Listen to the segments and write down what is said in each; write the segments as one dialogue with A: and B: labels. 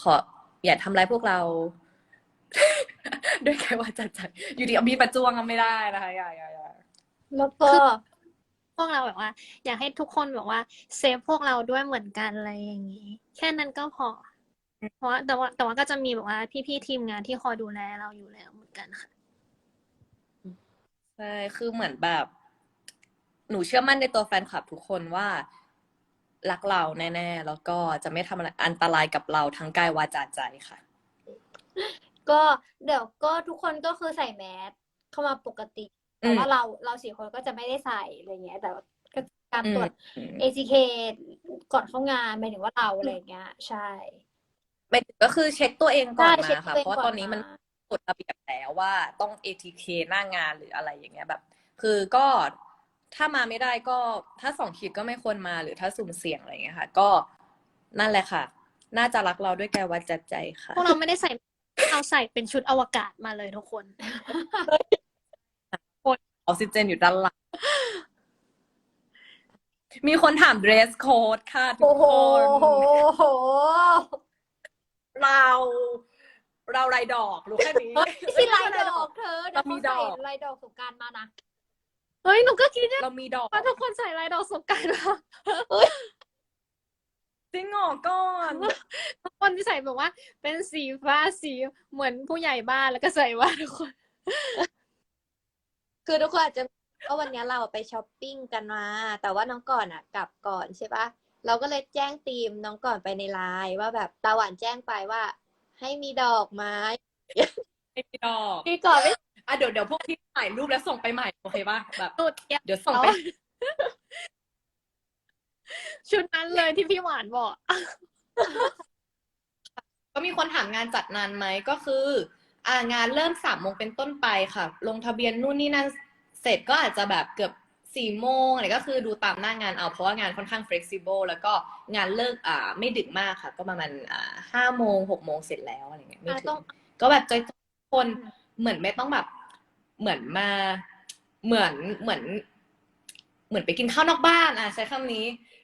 A: ขออย่าทำร้ายพวกเรา ด้วยแค่ว่าจัดอยู่ดีเอามีดมาจ้วงก็ไม่ได้นะคะอย่า
B: แล้วก็
C: พวกเราแบบว่า อยากให้ทุกคนแบบว่าเซฟพวกเราด้วยเหมือนกันอะไรอย่างนี้ แค่นั้นก็พอ เพราะว่าแต่ว่าก็จะมีแบบว่าพี่ๆทีมงานที่คอยดูแลเราอยู่แล้วเหมือนกันค่ะ
A: ใช่คือเหมือนแบบ หนูเชื่อมั่นในตัวแฟนคลับทุกคนว่ารักเราแน่ๆแล้วก็จะไม่ทำอะไรอันตรายกับเราทั้งกายวาจาใจค่ะ
B: ก็เดี๋ยวก็ทุกคนก็คือใส่แมสเข้ามาปกติ แต่ว่าเรา4 คนก็จะไม่ได้ใส่อะไรเงี้ย แต่ก็การตรวจ ATK ก่อนเข้างานหมายถึงว่าเราอะไรเงี้ย ใช่
A: ก็คือเช็คตัวเองก่อน
B: ใช่เช็
A: มา
B: ค
A: ค่ะ
B: ตัวเอง
A: เพราะว่า
B: ก่อน
A: ตอนนี้มัน
B: มา
A: กฎระเบียบแล้วว่าต้อง ATK หน้างานหรืออะไรอย่างเงี้ยแบบ คือก็ถ้ามาไม่ได้ก็ถ้า2 ขีดก็ไม่ควรมาหรือถ้าสุ่มเสี่ยงอะไรอย่างเงี้ยค่ะ ก็นั่นแหละค่ะ น่าจะรักเราด้วยกายวาจาใจค่ะ
C: พวกเราไม่ได้ใส่เราใส่เป็นชุดอวกาศมาเลยทุกคน
A: ออกซิเจนอยู่ด้านหลัง มีคนถาม dress code ค่ะทุ
B: โอ้
A: ก
B: โห
A: คน เราลายดอกรู้แค่นี้
B: ไม่ใช่ลายดอกเธอเดี๋ยว
A: เรามี
B: เขา
A: ด
B: ใส่
A: อก
B: ลายดอกสงกรานต์มานะ
C: เฮ้ยหนูก็คิด
A: เรามีดอก
C: ว่าทุกคนใส่ลายดอกสงกรานต์มา
A: จริงเหรอก่อน
C: ทุกคนที่ใส่แบบว่า เป็นสีฟ้าสีเหมือนผู้ใหญ่บ้านแล้วก็ใส่ว่าทุกคน
D: คือทุกคนอาจจะว่าวันนี้เราไปช้อปปิ้งกันมา แต่ว่าน้องก่อนอ่ะกลับก่อนใช่ปะเราก็เลยแจ้งทีมน้องก่อนไปในไลน์ว่าแบบตาหวานแจ้งไปว่า ให้มีดอกไม้
A: ไม่มีดอก
D: พี่ก่อนไม่
A: อ่ะเดี๋ยวพวกพี่ถ่ายรูปแล้วส่งไปใหม่โอเคป่ะแบบ
C: หนูเตรียม
A: เดี๋ยวส่งไป
C: ชุดนั้นเลยที่พี่หวานบอก
A: ก็มีคนถามงานจัดนานไหมก็คือ งานเริ่ม3 โมงเป็นต้นไปค่ะ ลงทะเบียนนู่นนี่นั่นเสร็จก็อาจจะแบบเกือบ4 โมงอะไรก็คือดูตามหน้างานเอาเพราะว่างานค่อนข้าง flexible แล้วก็งานเลิกไม่ดึกมากค่ะ ก็ประมาณ5 โมง6 โมงเสร็จแล้วอะไรเงี้ยไม่ถึ
B: ต้อง ง
A: ก็แบบจอยๆคนเหมือนไม่ต้องแบบเหมือนมาเหมือนไปกินข้าวนอกบ้านใช้คำนี้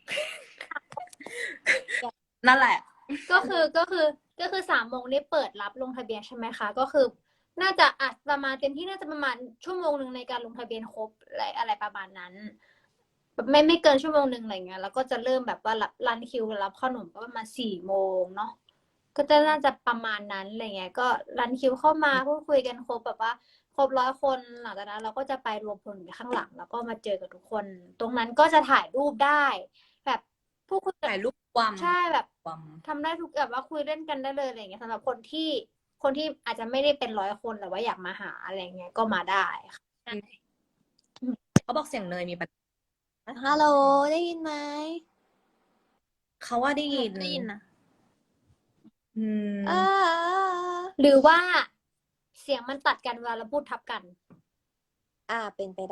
A: นั่นแหละ
B: ก็คือ3 โมงนี้เปิดรับลงทะเบียนใช่ไหมคะ ก็คือ น่าจะประมาณเต็มที่น่าจะประมาณ1 ชั่วโมงในการลงทะเบียนครบอะไรประมาณนั้นแบบไม่เกิน1 ชั่วโมงอะไรเงี้ยแล้วก็จะเริ่มแบบว่ารันคิวรับขนมก็ประมาณ4 โมงเนาะก็จะน่าจะประมาณนั้นอะไรเงี้ยก็รันคิวเข้ามาพูดคุยกันครบแบบว่าครบ100 คนหลังจากนั้นเราก็จะไปรวมพลอยู่ข้างหลัง แล้วก็มาเจอกับทุกคน ตรงนั้นก็จะถ่ายรูปได้ แบบพูดคุย
A: ถ่ายรูปความ
B: ใช่แบบ
A: ความ
B: ทำได้ทุกแบบว่าคุยเล่นกันได้เลยอะไรเงี้ยสำหรับคนที่อาจจะไม่ได้เป็น100 คนแต่ว่าอยากมาหาอะไรเงี้ยก็มาได้ค่ะ
A: เขาบอกเสียงเนยมีปัญหา
D: ฮัลโหลได้ยินไหม
A: เขาว่าได้ยิน
C: ได้ยินนะ
A: อืม
B: หรือว่าเสียงมันตัดกันเวลาเราพูดทับกัน
D: เป็นไปได้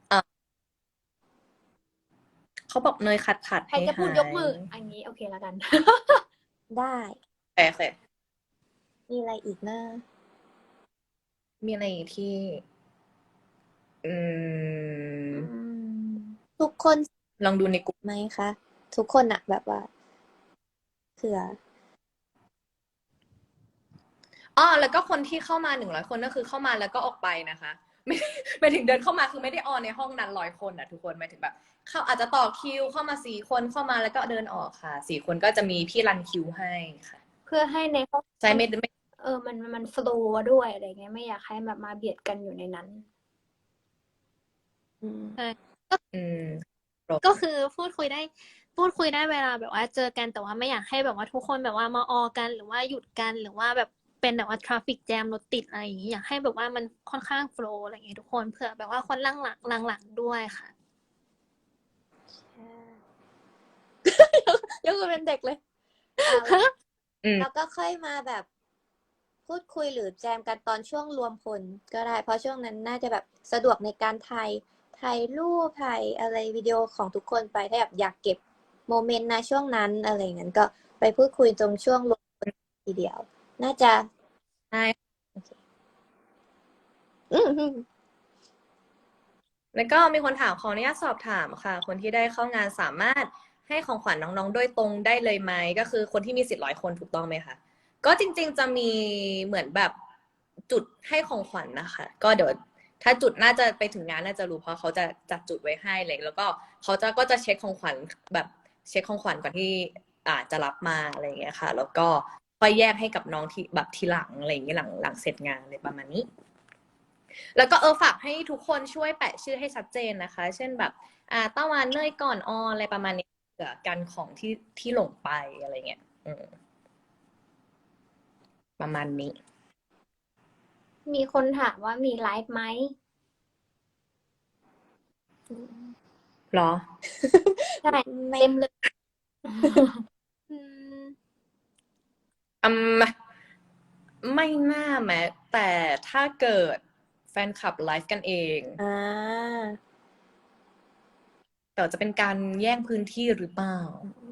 A: เขาบอกเนยขัด
B: ใคร
A: ให้
B: จะพูด
A: หาย
B: ยกมืออันนี้โอเคแล้วกัน
D: ได้
A: โอเค
D: มีอะไรอีกนะ
A: มีอะไรอีกที่
D: ทุกคน
A: ลองดูในกลุ่ม
D: ไหมคะ ทุกคนอะแบบว่าเผื่อ
A: แล้วก็คนที่เข้ามา100 คนก็คือเข้ามาแล้วก็ออกไปนะคะ ไม่ถึงเดินเข้ามาคือไม่ได้ออนในห้องนั้น100 คนทุกคนหมายถึงแบบเข้าอาจจะต่อคิวเข้ามา4 คนเข้ามาแล้วก็เดินออกค่ะ4 คนก็จะมีพี่รันคิวให้ค่ะ
B: เพื่อให้ในห้อง
A: ใช่ไม่
B: มันโฟลว์ด้วยอะไรเงี้ยไม่อยากให้แบบมาเบียดกันอยู่ในนั้น
A: อืม
C: ก็คือพูดคุยได้เวลาแบบว่าเจอกันแต่ว่าไม่อยากให้แบบว่าทุกคนแบบว่ามาออกันหรือว่าหยุดกันหรือว่าแบบเป็นแบบว่าทราฟิกแจมรถติดอะไรอย่างนี้อยากให้แบบว่ามันค่อนข้างโฟลว์อะไรอย่างนี้ทุกคนเผื่อแบบว่าคนหลังด้วยค่ะ
D: ยกมือเป็นเด็กเลย แล้วก็ค่อยมาแบบพูดคุยหรือแจมกันตอนช่วงรวมพลก็ได้ เพราะช่วงนั้นน่าจะแบบสะดวกในการถ่ายรูปถ่ายอะไรวิดีโอของทุกคนไปถ้าแบบอยากเก็บโมเมนต์นะช่วงนั้นอะไรอย่างนั้นก็ไปพูดคุยตรงช่วงรวมพลทีเดียว น่าจะ
A: ใช่
D: โอเคอืม
A: แล้วก็มีคนถามขออนุญาตสอบถามค่ะ คนที่ได้เข้างานสามารถให้ของขวัญน้องๆโดยตรงได้เลยไหมก็คือคนที่มีสิทธิ์100 คนถูกต้องไหมคะก็จริงๆจะมีเหมือนแบบจุดให้ของขวัญนะคะ ก็เดี๋ยวถ้าจุดน่าจะไปถึงงานน่าจะรู้เพราะเขาจะจัดจุดไว้ให้เลยแล้วก็เขาก็จะเช็คของขวัญแบบเช็คของขวัญก่อนที่จะรับมาอะไรอย่างเงี้ยค่ะ แล้วก็ค่อยแยกให้กับน้องที่แบบทีหลังอะไรอย่างเงี้ยหลังเสร็จงานอะไรประมาณนี้ แล้วก็ฝากให้ทุกคนช่วยแปะชื่อให้ชัดเจนนะคะ เช่นแบบต้าวานเนยก่อนออนอะไรประมาณนี้เผื่อกันของที่หลงไปอะไรเงี้ยประมาณนี้
B: มีคนถามว่ามีไลฟ์ไหม
A: เหรอ
B: ใช่
D: ไม่
B: เต็มเลย
C: อืม
A: อืมไม่น่าแม้แต่ถ้าเกิดแฟนคลับไลฟ์กันเอง
D: อ่า
A: แต่จะเป็นการแย่งพื้นที่หรือเปล่า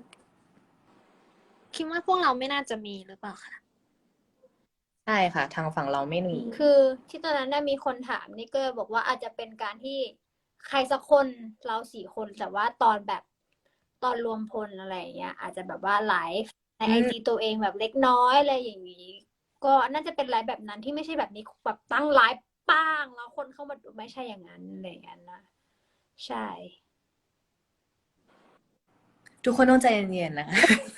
C: คิดว่าพวกเราไม่น่าจะมีหรือเปล่าคะ
A: ใช่ค่ะ ทางฝั่งเราไม่มี
B: คือที่ตอนนั้นได้มีคนถามนี่ก็บอกว่าอาจจะเป็นการที่ใครสักคนเรา4 คนแต่ว่าตอนแบบตอนรวมพลอะไรอย่างเงี้ย อาจจะแบบว่าไลฟ์ใน
A: อืม
B: IG ตัวเองแบบเล็กน้อยอะไรอย่างนี้ ก็น่าจะเป็นไลฟ์แบบนั้นที่ไม่ใช่แบบนี้แบบตั้งไลฟ์ป้างแล้วคนเข้ามาดูไม่ใช่อย่างนั้นอะไรอย่างนั้นนะใช่
A: ทุกคนต้องใจเย็นๆนะคะ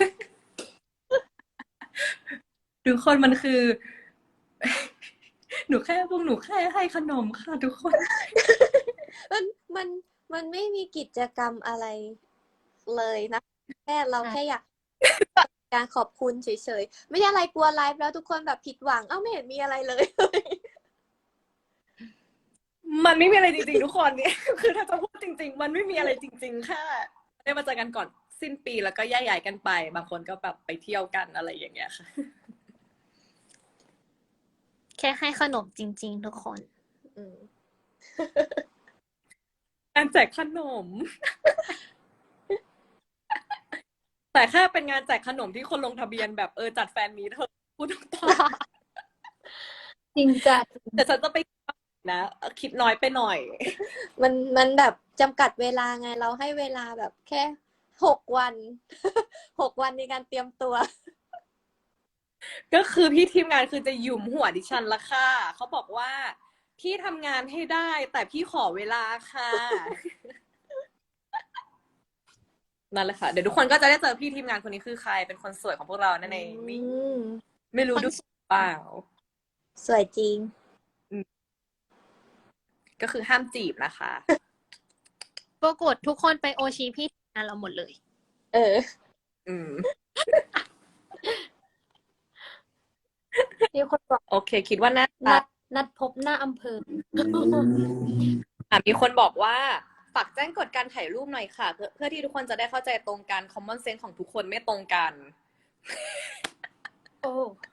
A: ทุกคนมันคือ หนูแค่ให้ขนมค่ะทุกคน
D: มันมันมันไม่มีกิจกรรมอะไรเลยนะแค่เราแค่อยากการขอบคุณเฉยๆไม่ใช่อะไรกลัวไลฟ์แล้วทุกคนแบบผิดหวังเอ้าไม่เห็นมีอะไรเลย
A: มันไม่มีอะไรจริงๆทุกคนเนี่ย คือถ้าจะพูดจริง ๆ มันไม่มีอะไรจริงๆแค่ได้มาเจอกันก่อนสิ้นปีแล้วก็แยกย้ายกันไป บางคนก็แบบไปเที่ยวกันอะไรอย่างเงี้ยค่ะ
C: แค่ให้ขนมจริง ๆ ทุกคน
D: อืม
A: การแจกขนม แต่แค่เป็นงานแจกขนมที่คนลงทะเบียนแบบจัดแฟนมีตเธอพูดตรง
B: จริงจัด
A: ๆแต่ฉันจะไปนะคิดน้อยไปหน่อย
D: มันแบบจำกัดเวลาไงเราให้เวลาแบบแค่6 วัน 6 วันในการเตรียมตัว
A: ก็คือพี่ทีมงานคือจะหยุมหัวดิฉันละค่ะเขาบอกว่าพี่ทำงานให้ได้ แต่พี่ขอเวลาค่ะ นั่นแหละค่ะเดี๋ยวทุกคนก็จะได้เจอพี่ทีมงานคนนี้คือใครเป็นคนสวยของพวกเรานั่นเองนี่
D: อืม
A: ไม่รู้ดูเปล่า
D: สวยจริง
A: ก็คือห้ามจีบนะคะ
C: ปรากฏทุกคนไปโอชีพี่งานเราหมดเลย
D: เออ
A: อืม
B: มีคนบอก
A: โอเค คิดว่าน่า
B: นัดพบหน้าอำเภอ
A: มีคนบอกว่าฝากแจ้งกฎการถ่ายรูปหน่อยค่ะ เพื่อที่ทุกคนจะได้เข้าใจตรงกัน common sense ของทุกคนไม่ตรงกัน
B: โอ้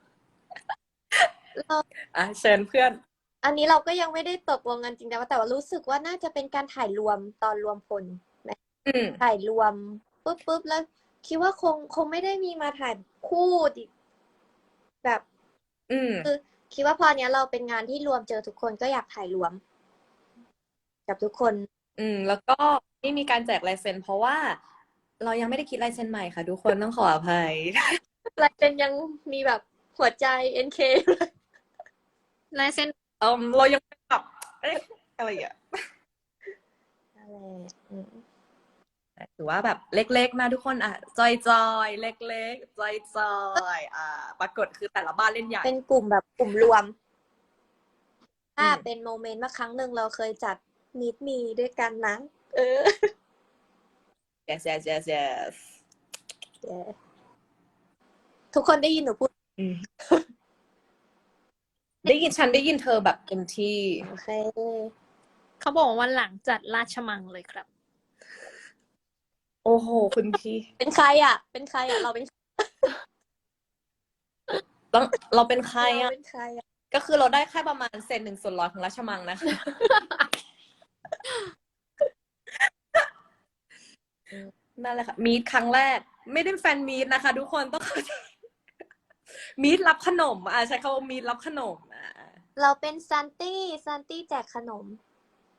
A: เชิญเพื่อน
D: อันนี้เราก็ยังไม่ได้ตกลงกันจริงแต่ว่ารู้สึกว่าน่าจะเป็นการถ่ายรวมตอนรวมพล
A: อืม
D: ถ่ายรวมปุ๊บแล้ว คิดว่าคงไม่ได้มีมาถ่ายคู่ดิแบบ
A: อืม
D: คือคิดว่าพอเนี้ยเราเป็นงานที่รวมเจอทุกคนก็อยากถ่ายรวม กับทุกคน
A: แล้วก็ไม่มีการแจกลายเซ็นเพราะว่า เรายังไม่ได้คิดลายเซ็นใหม่ค่ะ ทุกคนต้องขออภัย
D: ลายเซ็นยังมีแบบหัวใจ NK อยู่เลย
C: ลายเซ็น
A: เรายังแบบอะไรอ่ะ
D: นั่นแหละอืม
A: ถือว่าแบบเล็กๆนะทุกคนจอยๆเล็กๆจอยๆปรากฏคือแต่ละบ้านเล่นใหญ่
D: เป็นกลุ่มแบบกลุ่มรวม ถ้า
A: อืม
D: เป็นโมเมนต์ว่าครั้งหนึ่งเราเคยจัดมีตมีด้วยกันนะ เออ
A: yes yes yes yes
D: ทุกคนได้ยินหนูพูด
A: ฉันได้ยินเธอแบบเต็มที่
D: โอเค
C: เขาบอกว่าวันหลังจัดราชมังเลยครับ
A: โอ้โหคุณพี่
D: เป็นใครอ่ะ เป็นใครอ่ะ เราเป็น
A: เราเป็นใคร
D: เรา
A: อ่ะ
D: เป็นใครอ่ะ
A: ก็คือเราได้แค่ประมาณ1/100ของราชมังนะคะ นั่นแหละค่ะมีตครั้งแรก ไม่ได้แฟนมีตนะคะทุกคนต้องเข้าใจมีตรับขนมใช้คำว่ามีตรับขนม
D: เราเป็นซันตี้แจกขนม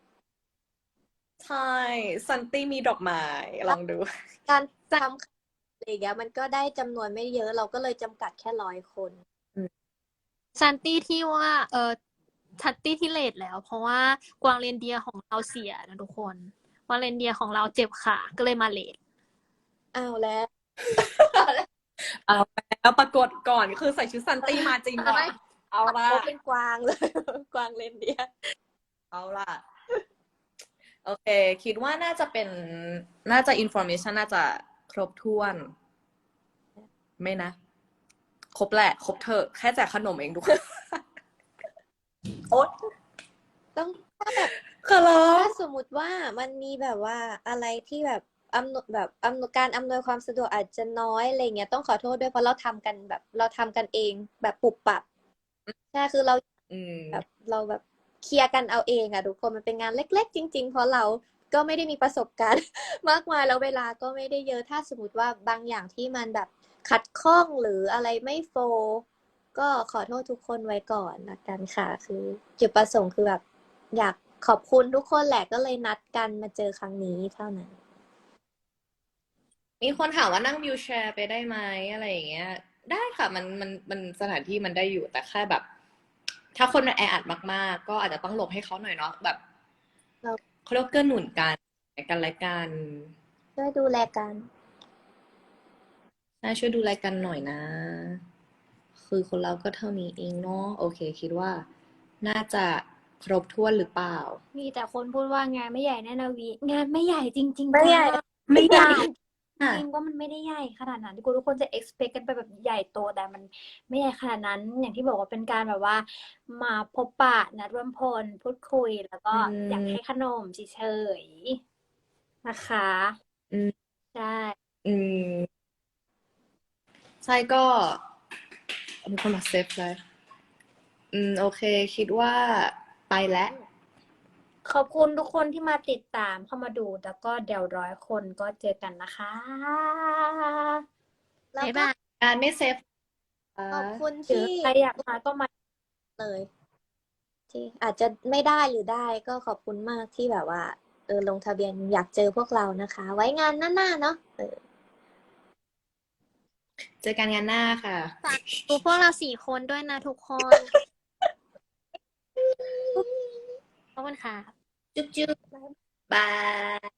A: ใช่ซันตี้มีดอกไม้ลองดู
D: การทอะไรอย่างเงี้ยมันก็ได้จำนวนไม่เยอะเราก็เลยจำกัดแค่100 คน
C: ซันตี้ที่ว่าชัตตี้ที่เลทแล้ว เพราะว่ากวางเรนเดียร์ของเราเสียนะทุกคนกวางเรนเดียร์ของเราเจ็บขาก็เลยมาเลท
D: อ้าวแล้ว
A: เอาแล้วปรากฏก่อนคือใส่ชุดซันตี้มาจริงว่ะเอาละ
D: โอ้เป็นกวางเลย กวางเลนเดียร์
A: เอาล่ะ โอเค คิดว่าน่าจะเป็น น่าจะอินโฟอร์เมชันน่าจะครบถ้วน ไม่นะ ครบแหละ ครบเถอะ แค่แจกขนมเองทุกคน โอ๊ย
D: ต้องถ้าแบบ
A: ขอร้อง
D: ถ้าสมมุติว่ามันมีแบบว่าอะไรที่แบบการอำนวยความสะดวกอาจจะน้อยอะไรเงี้ยต้องขอโทษด้วยเพราะเราทำกันเองแบบปุบปับใช่คือเรา
A: อืม
D: แบบเราแบบเคลียร์กันเอาเองอะทุกคนมันเป็นงานเล็กๆจริงๆเพราะเราก็ไม่ได้มีประสบการณ์ มากมายแล้วเวลาก็ไม่ได้เยอะถ้าสมมติว่าบางอย่างที่มันแบบขัดข้องหรืออะไรไม่โฟลว์ก็ขอโทษทุกคนไว้ก่อนละกันค่ะคือจุดประสงค์คือแบบอยากขอบคุณทุกคนแหละก็เลยนัดกันมาเจอครั้งนี้เท่านั้น
A: มีคนถามว่านั่งวิวแชร์ไปได้ไหมอะไรอย่างเงี้ย ได้ค่ะ มันสถานที่มันได้อยู่ แต่แค่แบบ ถ้าคนมันแออัดมากๆ ก็อาจจะต้องหลบให้เขาหน่อยเนาะ แบบ
D: เรา
A: เขาเรียกว่าเกื้อหนุนกันและกัน
D: ช่วยดูแลกัน
A: น่าช่วยดูแลกันหน่อยนะ คือคนเราก็เท่านี้เองเนาะ โอเค คิดว่า น่าจะครบถ้วนหรือเปล่า
B: มีแต่คนพูดว่างานไม่ใหญ่แน่นะวิงานไม่ใหญ่จริงๆ
D: ไม่ใหญ่
B: จ้า
A: ไม่ใหญ่
B: จริงว่ามันไม่ได้ใหญ่ขนาดนั้นที่ทุกคนจะ expect กันไปแบบใหญ่โตแต่มันไม่ใหญ่ขนาดนั้นอย่างที่บอกว่าเป็นการแบบว่า มาพบปะนัดรวมพลพูดคุยแล้วก็อยากให้ขนมเฉยๆนะคะ
A: อืม
B: ใช่
A: อืม ใช่ก็มีคนมาเซฟเลยโอเค คิดว่าไปแล้ว
B: ขอบคุณทุกคนที่มาติดตามเข้ามาดูแล้วก็เดี๋ยว100 คนก็เจอกันนะคะ
D: แล้ว
C: บ๊าย
D: ก็
C: บาย
A: การไม่เซฟ
D: ขอบคุณ
B: หรือ
D: ที่
B: ใครอยากมาก็มา
D: เลยที่อาจจะไม่ได้หรือได้ก็ขอบคุณมากที่แบบว่าลงทะเบียนอยากเจอพวกเรานะคะ ไว้งานหน้าๆเนาะ
A: เจอกันงานหน้าค่ะ
C: ดูพวกเรา4 คนด้วยนะทุกคน ขอบคุณค่ะ
A: จุ๊บจุ๊บ บาย